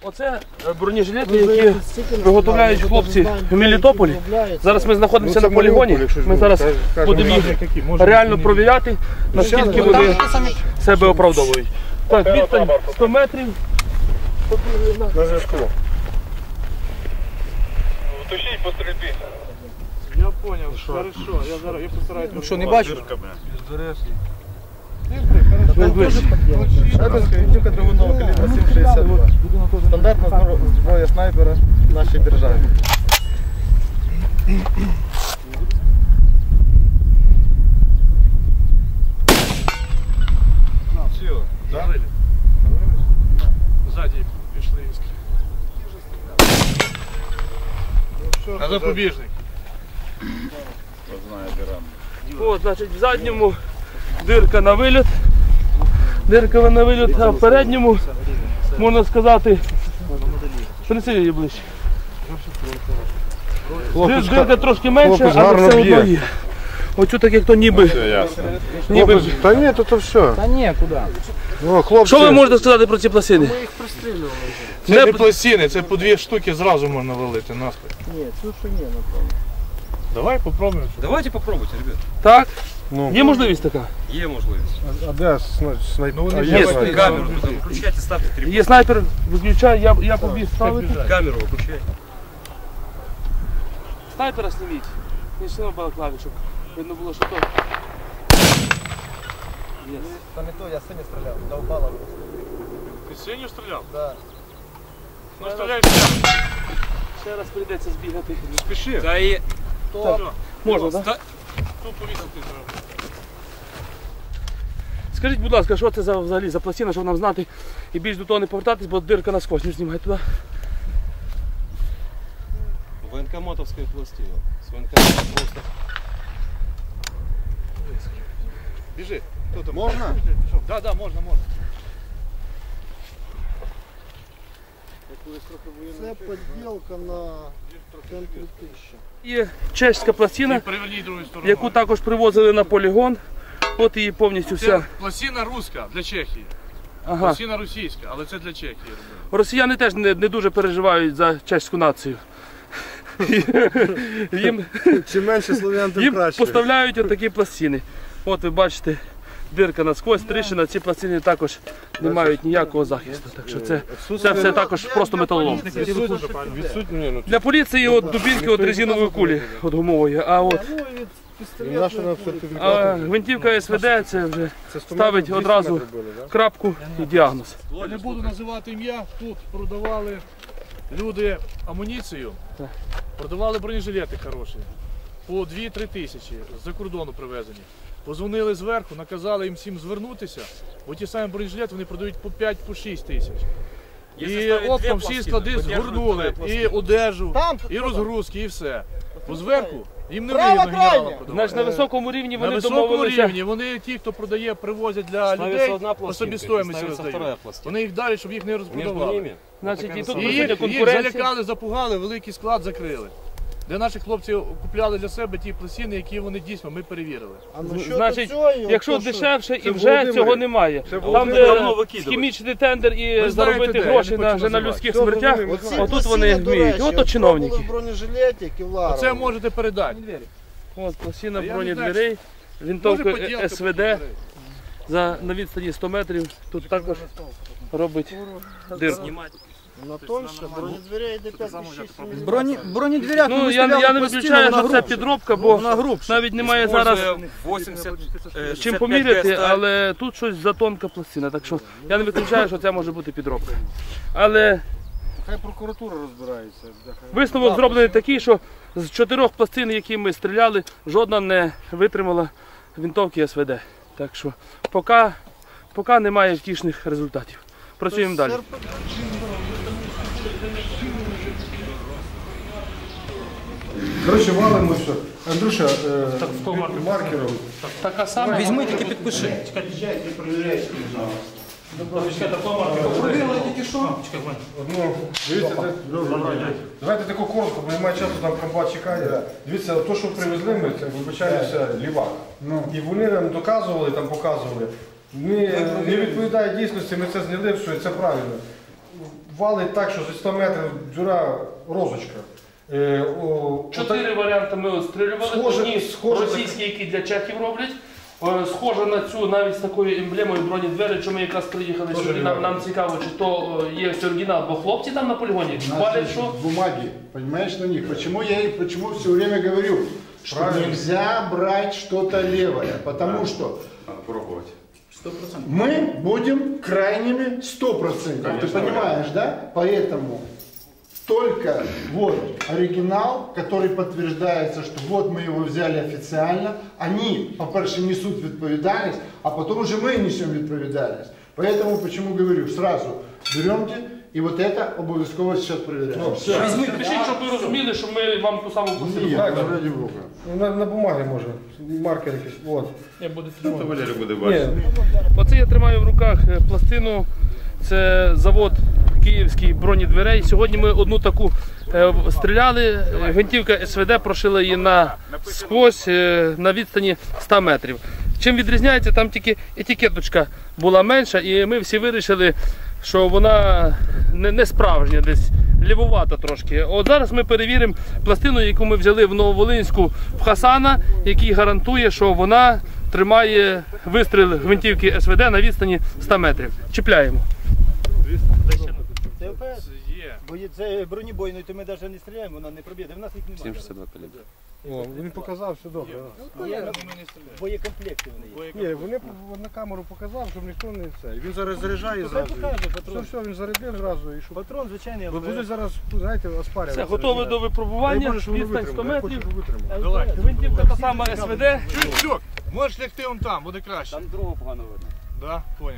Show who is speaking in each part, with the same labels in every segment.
Speaker 1: Оце бронежилети, які виготовляють хлопці в Мелітополі. Зараз ми знаходимося на полігоні. Ми зараз будемо їх реально провіряти, наскільки вони себе оправдовують. Так, відстань 100 метрів.
Speaker 2: На зв'язку. Тушіть по стрільбі.
Speaker 3: Я понял, хорошо, я постараюсь.
Speaker 4: Ну що, не бачиш?
Speaker 2: Шайбинська винтівка двигунного калібра 7,62. Стандартна зброя снайпера в нашій державі.
Speaker 3: Все, да? Ззаді пішли іскри. А запобіжник?
Speaker 1: О, значить, в задньому дирка на виліт. Дирка на виліт, а в передньому, можна сказати, принеси її ближче. Дирка трошки менша, але все одно є. Оцю так як то ніби.
Speaker 2: Та ні, то все.
Speaker 4: Та ні, куди?
Speaker 1: Що ви можете сказати про ці пластини?
Speaker 4: Ми їх пристрілювали.
Speaker 3: Це не пластини, це по 2 штуки зразу можна валити наспіль.
Speaker 4: Ні, цю ще ні, напевно.
Speaker 3: Давай попробуємо.
Speaker 5: Давайте попробуйте, ребят.
Speaker 1: Так? Є можливість така?
Speaker 5: Є можливість.
Speaker 2: А де снайпер?
Speaker 1: Є
Speaker 5: Камеру туда выключайте, ставьте 3.
Speaker 1: Є снайпер, виключай, я побіг ставити.
Speaker 5: Камеру выключай.
Speaker 1: Снайпера зніміть. Не сильно балаклаві, щоб видно було, що то.
Speaker 2: Та не то, я сині стріляв, довбала.
Speaker 3: Ти синю стріляв?
Speaker 2: Так.
Speaker 3: Ну стріляй ще.
Speaker 1: Ще раз прийдеться збігати.
Speaker 3: Не спіши.
Speaker 5: Да и...
Speaker 1: Можна, так?
Speaker 3: Тут повісити треба.
Speaker 1: Скажіть, будь ласка, що це взагалі за пластина, щоб нам знати і більш до того не повертатись, бо дирка насквозь. Не знімай туди.
Speaker 5: Военкоматовская пластина. С военкомата просто...
Speaker 3: Біжи.
Speaker 2: Можна?
Speaker 3: Да, да, можна.
Speaker 2: Це поділка на центрі 1000.
Speaker 1: Є чеська пластина,
Speaker 3: Переверніть другу сторону.
Speaker 1: яку також привозили на полігон. От її повністю
Speaker 3: Це
Speaker 1: вся.
Speaker 3: пластина руська для Чехії.
Speaker 1: Ага.
Speaker 3: Пластина російська, але це для Чехії робили.
Speaker 1: Росіяни теж не дуже переживають за чеську націю.
Speaker 2: Чим менше слов'ян, тим
Speaker 1: Їм
Speaker 2: краще.
Speaker 1: поставляють отакі пластини. От ви бачите, дирка насквозь, тріщина, ці пластини також не мають ніякого захисту. Так що це все також просто металолом.
Speaker 2: Відсутні,
Speaker 1: Для поліції от дубінки от резинової кулі, от гумової, а от гвинтівка СВД це вже ставить одразу крапку і діагноз.
Speaker 3: Я не буду називати ім'я, тут продавали люди амуніцію, продавали бронежилети хороші, по 2-3 тисячі, з-за кордону привезені. Позвонили зверху, наказали їм всім звернутися, бо ті самі бронежилети вони продають по 5-6 тисяч. І оптом всі склади згорнули, і одежу, і розгрузки, і все. Бо зверху їм не вигідно генералам продавати.
Speaker 1: Значить, на високому рівні
Speaker 3: На
Speaker 1: вони
Speaker 3: високому
Speaker 1: домовилися.
Speaker 3: рівні, вони ті, хто продає, привозять для людей, по собівартості роздають. Вони їх далі, щоб їх не розпродавали.
Speaker 1: Значить, і тут
Speaker 3: І
Speaker 1: присутня
Speaker 3: їх
Speaker 1: конкуренція.
Speaker 3: залякали, запугали, великий склад закрили. Де наші хлопці купляли для себе ті пластини, які вони дійсно, ми перевірили.
Speaker 1: Значить, якщо дешевше і вже цього немає. Там, де схімічний тендер і заробити гроші на людських смертях, отут вони вміють. Ото чиновники.
Speaker 3: Оце можете передати.
Speaker 1: От пластина бронедверей, винтовка СВД на відстані 100 метрів. Тут також робить дирку.
Speaker 2: На тоньше, бронедверя йде 5,6
Speaker 4: Бронедвіряк
Speaker 1: Ну, я не виключаю, що це підробка, бо навіть немає зараз
Speaker 5: 80...
Speaker 1: чим поміряти, але тут щось затонка пластина, так що я не виключаю, що це може бути підробка. Але
Speaker 2: Хай прокуратура розбирається.
Speaker 1: висновок зроблений такий, що з 4 пластин, які ми стріляли, жодна не витримала винтовки СВД. Так що поки немає втішних результатів. Працюємо далі.
Speaker 2: Коротше, валимо все. Андрюша, маркером.
Speaker 1: Така сама.
Speaker 4: Візьми, тільки підпиши. Провірили тільки що?
Speaker 2: Одну, дивіться, давайте таку коротко, бо немає часу, там комбат чекає. Дивіться, то, що привезли ми, це, вибачаюся, лівак. І вони нам доказували, там показували. Не відповідає дійсності, ми це зняли, що це правильно. валить так, що зі 100 метрів дюра розочка.
Speaker 1: 4 варіанти ми отстрілювали. Одні
Speaker 2: схоже
Speaker 1: російські, які для чехів роблять. Схоже на цю навіть з такою емблемою бронедвері, що ми якраз приїхали сюди. Нам цікаво, чи то є оригінал, бо хлопці там на полігоні валять, що...
Speaker 6: Бумаги, понимаешь, на них. Почему все время говорю, что
Speaker 2: Правильно.
Speaker 6: нельзя брать что-то левое, потому что
Speaker 5: Надо пробовать.
Speaker 6: мы будем крайними 100%. Ты понимаешь, да? Поэтому только вот оригинал, который подтверждается, что вот мы его взяли официально, они, по-перше, несут відповідальність, а потом уже мы несем відповідальність. Поэтому, почему говорю, сразу беремте, и вот это обов'язково сейчас проверяем.
Speaker 1: Пишіть, щоб ви розуміли, що ми вам ту саму посилку.
Speaker 6: Нет, ради Бога.
Speaker 2: На бумагі може, маркер якийсь. От.
Speaker 5: Валерий буде
Speaker 2: Ні,
Speaker 5: бачити.
Speaker 1: Оце я тримаю в руках пластину. Це завод київський бронедверей. Сьогодні ми одну таку стріляли. Гвинтівка СВД прошила її насквозь на відстані 100 метрів. Чим відрізняється, там тільки етикеточка була менша, і ми всі вирішили, що вона не справжня, десь лівувата трошки. От зараз ми перевіримо пластину, яку ми взяли в Нововолинську в Хасана, який гарантує, що вона тримає вистріл гвинтівки СВД на відстані 100 метрів. Чіпляємо.
Speaker 4: Це ОПС?
Speaker 3: Є.
Speaker 4: Бо це бронебойний, то ми навіть не стріляємо, вона не проб'є. В нас їх немає.
Speaker 5: 762 калібр.
Speaker 2: О, він показав, все добре.
Speaker 4: Є боєкомплекти вони є.
Speaker 2: Ні, вони на камеру показав, щоб ніхто не це. Він зараз заряджає
Speaker 4: Хай
Speaker 2: зразу.
Speaker 4: покаже
Speaker 2: Все,
Speaker 4: патрон.
Speaker 2: все, він зарядив зразу і що.
Speaker 4: Патрон, звичайний
Speaker 2: Ви
Speaker 4: ОПС.
Speaker 2: будуть зараз, знаєте, оспарювати.
Speaker 1: Все, готове до випробування.
Speaker 2: Боже, що воно
Speaker 1: Відстань 100
Speaker 2: витримає. Я хочу,
Speaker 1: метрів.
Speaker 2: щоб витримало.
Speaker 3: Давай.
Speaker 1: Гвинтівка та сама СВД.
Speaker 3: Чук, можеш лягти он там, буде краще.
Speaker 5: Там другого погано видно.
Speaker 3: Да, понял.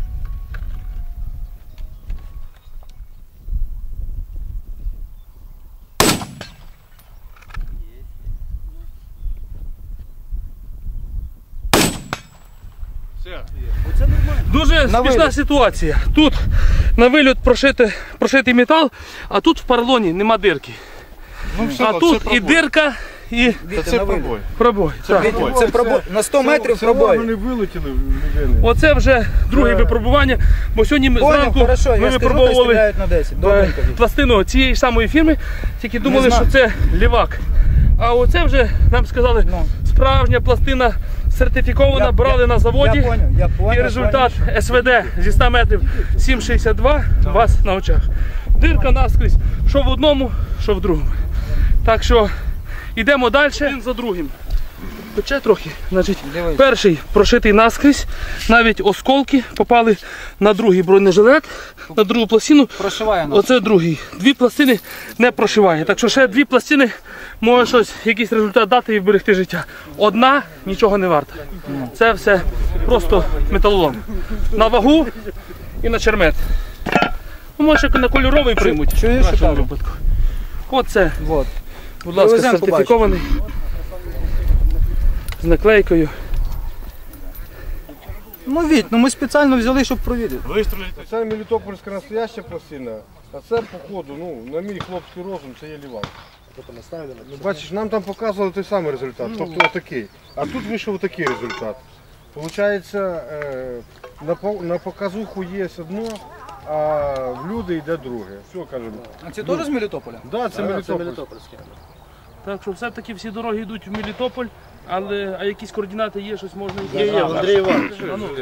Speaker 3: Все.
Speaker 4: Оце нормально.
Speaker 1: Дуже смішна ситуація. Тут на вильот прошитий метал, а тут в поролоні нема дирки. А тут і дирка, і
Speaker 3: Це пробой.
Speaker 1: пробой. Так.
Speaker 4: Це пробой. На 100 метрів пробой.
Speaker 2: Вони вилетіли в людини.
Speaker 1: Оце вже друге випробування, бо сьогодні ми
Speaker 4: Понял,
Speaker 1: зранку
Speaker 4: хорошо,
Speaker 1: ми
Speaker 4: я скажу, хай
Speaker 1: випробовували
Speaker 4: стріляють на 10. Добренько.
Speaker 1: пластину цієї ж самої фірми, тільки думали,
Speaker 4: знаю.
Speaker 1: що це лівак. А оце вже нам сказали,
Speaker 4: Ну.
Speaker 1: справжня пластина сертифікована, брали на заводі.
Speaker 4: Я понял.
Speaker 1: І результат СВД зі 100 метрів 7,62 у вас на очах. Дирка наскрізь, що в одному, що в другому. Так що йдемо далі, один за другим. Пече трохи. Значить, перший прошитий наскрізь, навіть осколки попали на другий бронежилет, на другу пластину.
Speaker 4: Прошиває нас.
Speaker 1: Оце другий. Дві пластини не прошиває. Так що ще дві пластини може щось, якийсь результат дати і вберегти життя. Одна нічого не варта. Це все просто металолом. На вагу і на чермет. Ну, може на кольоровий приймуть.
Speaker 4: чуєш,
Speaker 1: в нашому
Speaker 4: що кажу?
Speaker 1: випадку. Оце,
Speaker 4: Вот.
Speaker 1: будь ласка,
Speaker 4: Привеземо,
Speaker 1: сертифікований. З наклейкою.
Speaker 4: Ну, Віть, ну ми спеціально взяли, щоб провірити.
Speaker 3: Вистрілити.
Speaker 2: Це мелітопольська настояща пластина, а це, походу, ну, на мій хлопський розум, це є лівак. Ну, бачиш, нам там показували той самий результат, тобто отакий. А тут вийшов отакий результат. Получається, на показуху є одно, а в люди йде друге. Все, кажемо.
Speaker 4: А це теж з Мелітополя?
Speaker 2: Да, це мелітопольське.
Speaker 1: Так що все-таки всі дороги йдуть в Мелітополь, а якісь координати є, щось можна і
Speaker 2: Є, Андрій Іванович.
Speaker 1: А ну.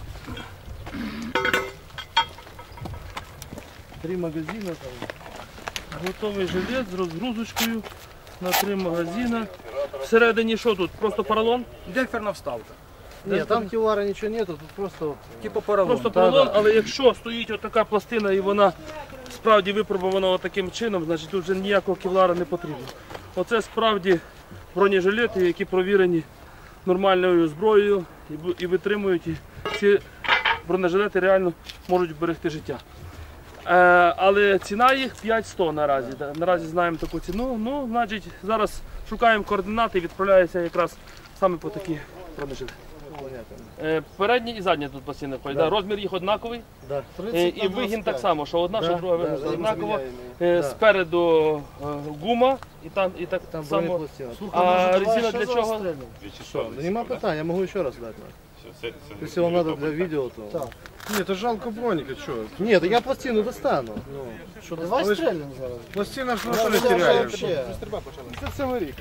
Speaker 1: 3 магазини там. Готовий жилет з розгрузочкою на 3 магазини. Всередині що тут? Просто поролон?
Speaker 4: Декферна вставка.
Speaker 7: Нет, там кевлара ничего нету, тут просто
Speaker 4: Типу поролон.
Speaker 1: Просто поролон, але якщо стоїть отака пластина і вона справді випробована таким чином, значить тут вже ніякого кевлара не потрібно. Оце справді бронежилети, які провірені нормальною зброєю і витримують. І ці бронежилети реально можуть вберегти життя. Але ціна їх 5100 наразі. Наразі знаємо таку ціну. Ну, значить, зараз шукаємо координати і відправляємося якраз саме по такі бронежилети. Передні і задні тут пластини входять. Да. Розмір їх однаковий.
Speaker 7: да, 30
Speaker 1: І
Speaker 7: на
Speaker 1: вигін
Speaker 7: 25.
Speaker 1: так само, що одна, що друга вигін
Speaker 7: да,
Speaker 1: однаково.
Speaker 7: да.
Speaker 1: Спереду гума і так
Speaker 7: Там
Speaker 1: само.
Speaker 7: бронепластина.
Speaker 1: А резина для чого?
Speaker 7: Да нема питань, я можу ще раз дати. Якщо вам треба для відео, то...
Speaker 2: Ні, то жалко броніка, що?
Speaker 7: Ні, то я пластину достану. Що, давай
Speaker 2: але ж-
Speaker 7: стрельнемо зараз.
Speaker 2: Пластина ж ніхто не теряє.
Speaker 7: Вообще.
Speaker 2: Це цілий рік.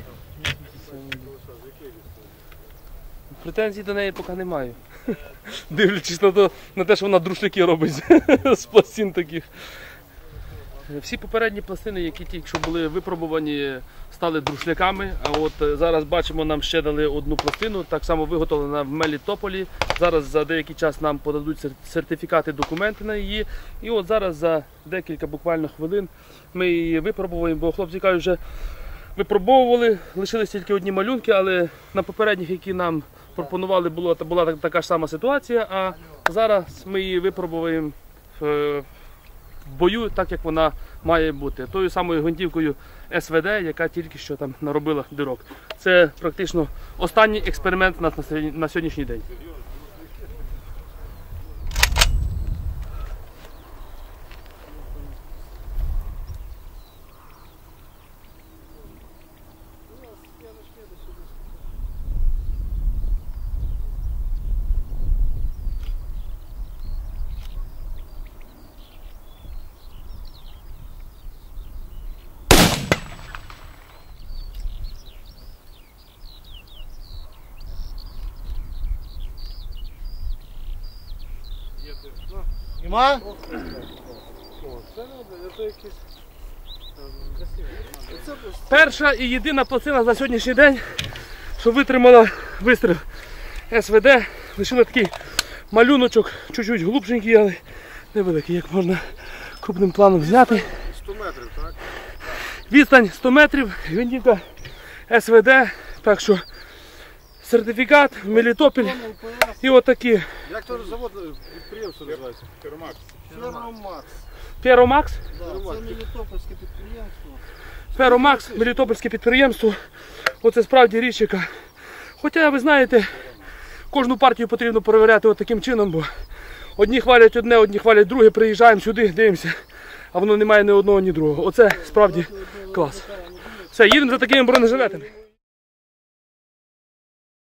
Speaker 1: Претензій до неї поки не маю. Дивлячись на те, що вона друшляки робить з пластин таких. Всі попередні пластини, які тільки що були випробувані, стали друшляками. А от зараз бачимо, нам ще дали одну пластину, так само виготовлена в Мелітополі. Зараз за деякий час нам подадуть сертифікати, документи на її. І от зараз за декілька буквально хвилин ми її випробуємо, бо хлопці кажуть, вже випробовували, лишились тільки одні малюнки, але на попередніх, які нам пропонували, була така ж сама ситуація, а зараз ми її випробуємо в бою, так як вона має бути. Тою самою гвинтівкою СВД, яка тільки що там наробила дирок. Це практично останній експеримент у нас на сьогоднішній день.
Speaker 7: Нема?
Speaker 1: Перша і єдина пластина за сьогоднішній день, що витримала вистріл СВД. Лишили такий малюночок, чуть-чуть глубшенький, але невеликий, як можна крупним планом зняти.
Speaker 2: 100 метрів, так?
Speaker 1: Відстань 100 метрів, гвинтівка СВД, так що сертифікат, Мелітополь і отакі.
Speaker 2: Як то завод, підприємство називається?
Speaker 6: Ферромакс.
Speaker 1: Ферромакс.
Speaker 7: Да, це Мелітопольське підприємство.
Speaker 1: Ферромакс, Мелітопольське підприємство. Оце справді річ, яка. Хоча, ви знаєте, кожну партію потрібно перевіряти от таким чином, бо одні хвалять одне, одні хвалять друге, приїжджаємо сюди, дивимося, а воно не має ні одного, ні другого. Оце справді клас. Все, їдемо за такими бронежилетами.